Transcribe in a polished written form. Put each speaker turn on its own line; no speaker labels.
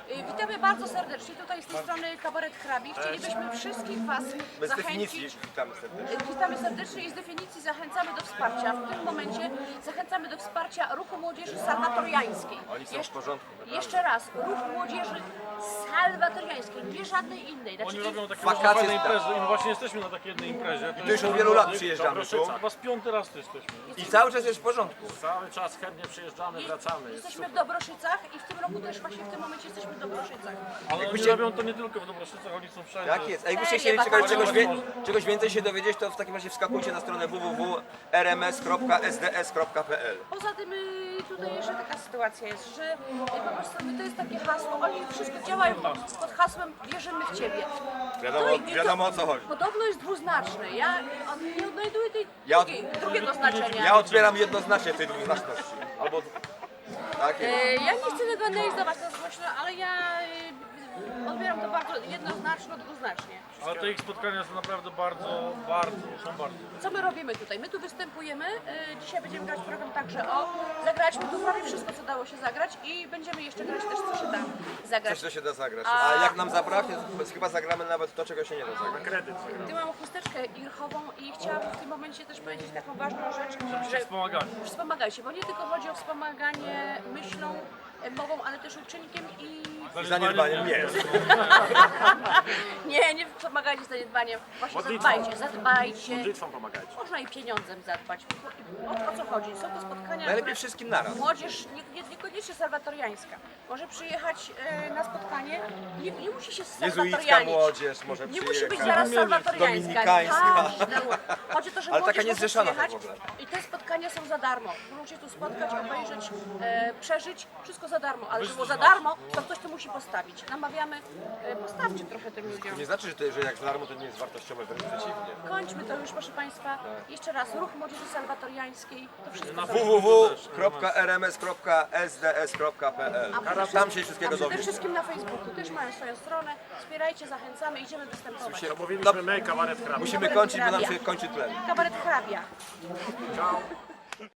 Witamy bardzo serdecznie. Tutaj z tej strony Kabaret Hrabi. Chcielibyśmy wszystkich Was
Bez definicji
zachęcić.
witamy serdecznie.
Witamy serdecznie i z definicji zachęcamy do wsparcia. W tym momencie zachęcamy do wsparcia ruchu młodzieży salwatoriańskiej.
Oni są w porządku.
Jeszcze raz, ruch młodzieży salwatoriańskiej, nie żadnej innej. Znaczy,
Oni robią takie
Wakacje
fajne
tak.
imprezy i my właśnie jesteśmy na takiej jednej imprezie.
I to już od wielu lat przyjeżdżamy tu.
Dobroszyca. Chyba z 5. raz tu jesteśmy.
I cały czas jest w porządku.
Cały czas chętnie przyjeżdżamy, wracamy. Jest
Jesteśmy w Dobroszycach i w tym roku też właśnie w tym momencie jesteśmy w Dobroszycach.
Ale oni
Jakbyście-
robią to nie tylko w Dobroszycach, oni są wszędzie.
Tak jest. A jakbyście
Serio,
chcieli
wakacje.
czegoś więcej się dowiedzieć, to w takim razie wskakujcie na stronę www.rms.sds.pl.
Poza tym tutaj jeszcze taka sytuacja jest, że po prostu to jest takie hasło, oni wszystko działają pod hasłem wierzymy w Ciebie.
Wiadomo o co chodzi.
Podobno jest dwuznaczne, ja nie odnajduję tej
Ja-
drugiego znaczenia.
Ja odbieram jednoznacznie tej dwuznaczności. Albo tak jest.
Ja nie chcę tego analizować na głośno, ale ja odbieram to bardzo jednoznaczno, dwuznacznie.
Ale te ich spotkania są naprawdę są bardzo.
Co my robimy tutaj? My tu występujemy, dzisiaj będziemy grać program także o, zagraliśmy tu prawie wszystko, co dało się zagrać i będziemy jeszcze grać też, co się da zagrać.
Coś to się da zagrać. A jak nam zabraknie, to chyba zagramy nawet to, czego się nie da zagrać.
kredyt zagramy.
Tu mam chusteczkę irchową i chciałabym w tym momencie też powiedzieć taką ważną rzecz,
Żebyście wspomagali.
wspomagajcie, bo nie tylko chodzi o wspomaganie myślą, mową, ale też uczynkiem i
Zaniedbaniem nie.
nie wspomagajcie zaniedbaniem, właśnie
Modlitwą.
zadbajcie.
Modlitwą pomagajcie.
Można i pieniądzem zadbać. O co chodzi? Są to spotkania,
Najlepiej
które
wszystkim naraz.
młodzież niekoniecznie salwatoriańska może przyjechać na spotkanie, nie musi się
Jezuicka
salwatorianić.
młodzież może
Nie musi być
przyjechać.
zaraz salwatoriańska.
Dominikańska.
Chodzi o to, że
Ale
młodzież
taka
może
niezrzeszona
przyjechać
tak w ogóle.
i te spotkania są za darmo. Możecie tu spotkać, obejrzeć, przeżyć, wszystko za darmo. Ale żeby było za darmo, to ktoś to musi postawić. Namawiamy, postawcie trochę tym ludziom.
Nie znaczy, że jak za darmo to nie jest wartościowe, wręcz przeciwnie.
Kończmy to już, proszę Państwa. Jeszcze raz, ruch młodzieży salwatoriańskiej. To wszystko za
www.rms.sds.pl. Tam się wszystkiego
A przede
dowiesz.
wszystkim na Facebooku też mają swoją stronę. Wspierajcie, zachęcamy, idziemy występować.
To mówiliśmy my, Kabaret Hrabi.
Musimy kończyć, bo nam się kończy tlen.
Kabaret Hrabia.
Ciao.